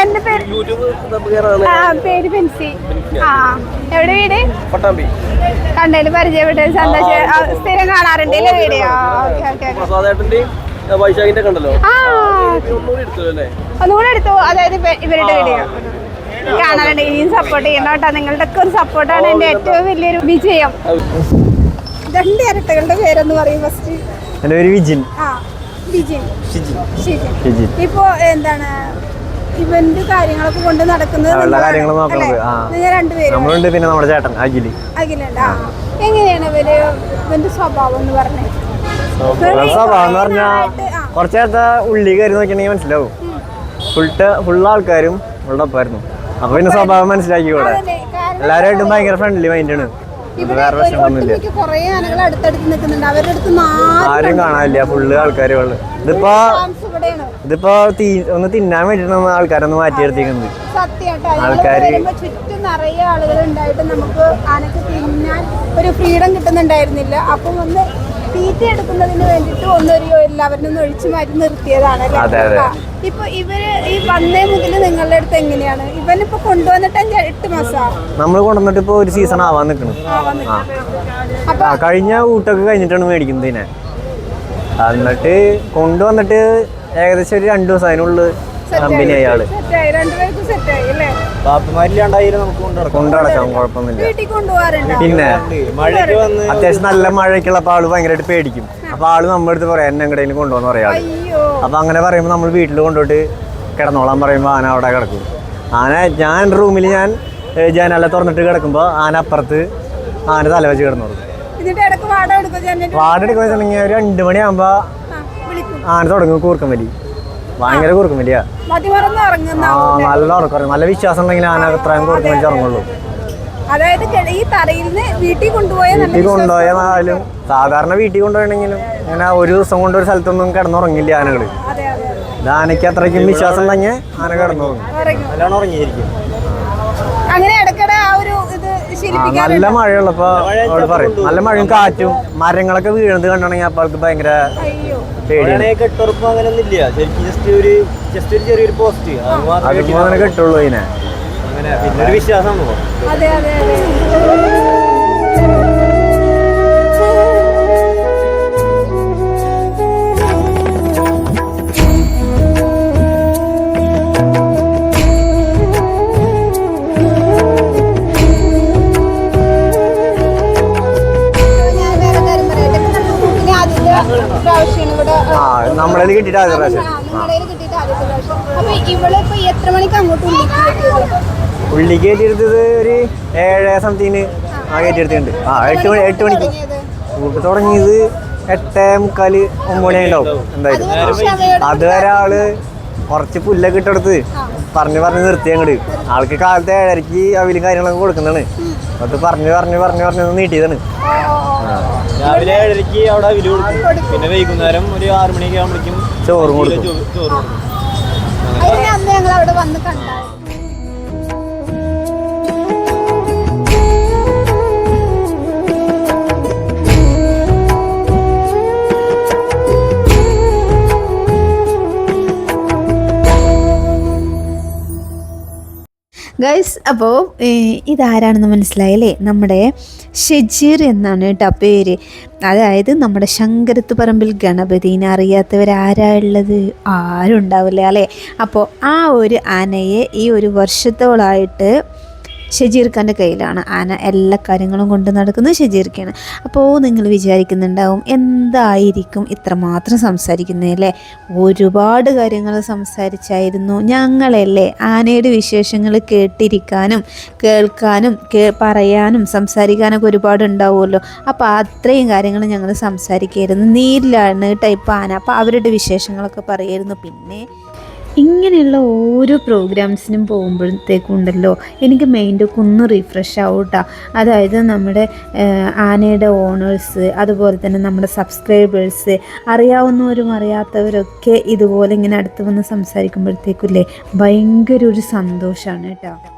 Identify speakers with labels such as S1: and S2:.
S1: എന്റെ പേര് പേര് ബെൻസി. ആ എവിടെ വീട്? കണ്ടതിൽ പരിചയപ്പെട്ടത് സന്തോഷം. സ്ഥിരം കാണാറുണ്ട് വീഡിയോ. ഒന്നുകൂടെ എടുത്തു. അതായത് ഇവരുടെ വീഡിയോ കാണാറുണ്ട്. ഇനിയും സപ്പോർട്ട് ചെയ്യണം കേട്ടോ. നിങ്ങളുടെ ഒക്കെ ഒരു സപ്പോർട്ടാണ് എന്റെ ഏറ്റവും വലിയൊരു വിജയം. രണ്ട് ഇരട്ടകളുടെ പേരെന്ന് പറയും. ഫസ്റ്റ്
S2: എൻ്റെ പേര് വിജിൻ.
S1: ഇപ്പൊ എന്താണ് ഇവന്റ് കാര്യങ്ങളൊക്കെ കൊണ്ട് നടക്കുന്നത്?
S2: രണ്ടുപേരും. പിന്നെ നമ്മുടെ ചേട്ടൻ അഖിലുണ്ട്.
S1: എങ്ങനെയാണ് ഇവന്റെ സ്വഭാവം എന്ന് പറഞ്ഞത്?
S2: സ്വഭാവം എന്ന് പറഞ്ഞാ കുറച്ചു നേരത്തെ ഉള്ളി കയറി നോക്കിയാണെങ്കിൽ മനസ്സിലാവും. ഫുൾ ആൾക്കാരും ഉള്ള ഒപ്പമായിരുന്നു. അപ്പൊ പിന്നെ സ്വഭാവം മനസ്സിലാക്കിക്കൂടെ. എല്ലാവരുമായിട്ടും ഭയങ്കര ഫ്രണ്ട്ലി മൈൻഡാണ്. വേറെ പ്രശ്നമൊന്നുമില്ല. ആരും കാണാനില്ല. ഫുള്ള് ആൾക്കാരുകൾ. ഇതിപ്പോ ഒന്ന് തിന്നാൻ വേണ്ടിട്ടാണ് ആൾക്കാരൊന്ന് മാറ്റിയെടുത്തിരിക്കുന്നത്. ആൾക്കാര്
S1: ചുറ്റും നിറയെ ആളുകൾ ഉണ്ടായിട്ട് നമുക്ക് ആനക്ക് തിന്നാൻ ഒരു ഫ്രീഡം കിട്ടുന്നുണ്ടായിരുന്നില്ല. അപ്പം ഒന്ന് തീറ്റ എടുക്കുന്നതിന് വേണ്ടിട്ട് എല്ലാവരും ഒഴിച്ചു മാറ്റി നിർത്തിയതാണ്. ഇപ്പൊ ഇവര് ഈ വന്നേ മുതൽ നിങ്ങളുടെ അടുത്ത് എങ്ങനെയാണ്? ഇവനിപ്പോ കൊണ്ടുവന്നിട്ട് 8 മാസം
S2: നമ്മൾ കൊണ്ടുവന്നിട്ട് ഇപ്പൊ ഒരു സീസൺ ആവാൻ നിൽക്കണം. കഴിഞ്ഞ ഊട്ടൊക്കെ കഴിഞ്ഞിട്ടാണ് മേടിക്കുന്നത് ഇതിനെ. എന്നിട്ട് കൊണ്ടുവന്നിട്ട് ഏകദേശം ഒരു 2 ദിവസം അതിനുള്ളിൽ കമ്പനി അയാള് പാപ്പമാരില്ലാണ്ടായാലും നമുക്ക് കൊണ്ടുനടക്കാം. കുഴപ്പമൊന്നുമില്ല. പിന്നെ അത്യാവശ്യം നല്ല മഴയ്ക്കുള്ളപ്പോ ആള് ഭയങ്കരമായിട്ട് പേടിക്കും. അപ്പൊ ആള് നമ്മുടെ അടുത്ത് പറയാം എന്നെ എങ്ങടെയും കൊണ്ടുപോകുന്ന പറയാ. അപ്പൊ അങ്ങനെ പറയുമ്പോ നമ്മൾ വീട്ടിൽ കൊണ്ടുപോയിട്ട് കിടന്നോളാൻ പറയുമ്പോ ആന അവിടെ കിടക്കും. ഞാൻ റൂമിൽ ഞാൻ ജനാല തുറന്നിട്ട് കിടക്കുമ്പോ ആന അപ്പുറത്ത് ആന തല വെച്ച് കിടന്നോളൂ. വാട എടുക്കുക വെച്ചിട്ടുണ്ടെങ്കിൽ ഒരു 2 മണിയാകുമ്പോ ആന തുടങ്ങും കൂർക്കം വലി. ഭയങ്കര കൂർക്കം വലിയ നല്ല ഉറക്കം. നല്ല വിശ്വാസം ഉണ്ടെങ്കിൽ ആന അത്രയും കൂർക്കം വലിച്ച് ഇറങ്ങുള്ളൂ. വീട്ടിൽ കൊണ്ടുപോയാലും സാധാരണ വീട്ടിൽ കൊണ്ടുപോയെങ്കിലും ഇങ്ങനെ ഒരു ദിവസം കൊണ്ട് ഒരു സ്ഥലത്തൊന്നും കിടന്നുറങ്ങില്ല ആനകള്. ഇത് ആനയ്ക്ക് അത്രയ്ക്കും വിശ്വാസം ഉണ്ടെങ്കിൽ ആന കിടന്നുറങ്ങും. നല്ലോണം ഉറങ്ങിയിരിക്കും. നല്ല മഴയുള്ളപ്പോ അവള് പറയും. നല്ല മഴയും കാറ്റും മരങ്ങളൊക്കെ വീഴുന്നത് കണ്ടാണെങ്കിൽ അപ്പൊ അവൾക്ക് ഭയങ്കര പേടിയാണ്. അതിപ്പോ അങ്ങനെ കെട്ടുള്ളൂ ഇതിനെ. പിന്നെ ഒരു വിശ്വാസമാണ്. നമ്മളെ കിട്ടിയിട്ട് ആദ്യ പ്രാവശ്യം ഉള്ളിക്ക് കയറ്റിയെടുത്തത് ഒരു 7 സംതിങ് കയറ്റിയെടുത്തിട്ടുണ്ട്. 8 മണിക്ക് കൂട്ട് തുടങ്ങിയത് 8:45 9 മണി ഉണ്ടാവും എന്തായാലും. അതുവരെ ആള് കുറച്ച് പുല്ലൊക്കെ ഇട്ടെടുത്ത് പറഞ്ഞ് നിർത്തി അങ്ങോട്ട്. ആൾക്ക് കാലത്ത് 7:30 അവിലും കാര്യങ്ങളൊക്കെ കൊടുക്കുന്നതാണ്. അത് പറഞ്ഞ് നീട്ടിയതാണ്. രാവിലെ 7:30 അവിടെ അവില് കൊടുക്കും. പിന്നെ വൈകുന്നേരം ഒരു 6 മണിയൊക്കെ ആകുമ്പോഴേക്കും ചോറും കൊടുക്കും.
S1: ഗൈസ്, അപ്പോൾ ഇതാരാണെന്ന് മനസ്സിലായല്ലേ? നമ്മുടെ ഷെജീർ എന്നാണ് കേട്ടോ പേര്. അതായത് നമ്മുടെ ശങ്കരത്ത് പറമ്പിൽ ഗണപതിനെ അറിയാത്തവരാരാ ഉള്ളത്? ആരും ഉണ്ടാവില്ല അല്ലേ? അപ്പോൾ ആ ഒരു ആനയെ ഈ ഒരു വർഷത്തോളായിട്ട് ഷെജീർ ഖാൻ്റെ കയ്യിലാണ്. ആന എല്ലാ കാര്യങ്ങളും കൊണ്ട് നടക്കുന്നത് ഷെജീർ ഖാണ്. അപ്പോൾ നിങ്ങൾ വിചാരിക്കുന്നുണ്ടാവും എന്തായിരിക്കും ഇത്രമാത്രം സംസാരിക്കുന്നതല്ലേ? ഒരുപാട് കാര്യങ്ങൾ സംസാരിച്ചായിരുന്നു. ഞങ്ങളല്ലേ ആനയുടെ വിശേഷങ്ങൾ കേട്ടിരിക്കാനും കേൾക്കാനും പറയാനും സംസാരിക്കാനൊക്കെ ഒരുപാട് ഉണ്ടാവുമല്ലോ. അപ്പോൾ അത്രയും കാര്യങ്ങൾ ഞങ്ങൾ സംസാരിക്കായിരുന്നു. നീരിലാണ് ടൈപ്പ് ആന. അപ്പോൾ അവരുടെ വിശേഷങ്ങളൊക്കെ പറയായിരുന്നു. പിന്നെ ഇങ്ങനെയുള്ള ഓരോ പ്രോഗ്രാംസിനും പോകുമ്പോഴത്തേക്കും ഉണ്ടല്ലോ എനിക്ക് മൈൻഡൊക്കെ ഒന്ന് റീഫ്രഷ് ആവും കേട്ടോ. അതായത് നമ്മുടെ ആനയുടെ ഓണേഴ്സ്, അതുപോലെ തന്നെ നമ്മുടെ സബ്സ്ക്രൈബേഴ്സ്, അറിയാവുന്നവരും അറിയാത്തവരൊക്കെ ഇതുപോലെ ഇങ്ങനെ അടുത്ത് വന്ന് സംസാരിക്കുമ്പോഴത്തേക്കില്ലേ ഭയങ്കര ഒരു സന്തോഷമാണ് കേട്ടോ.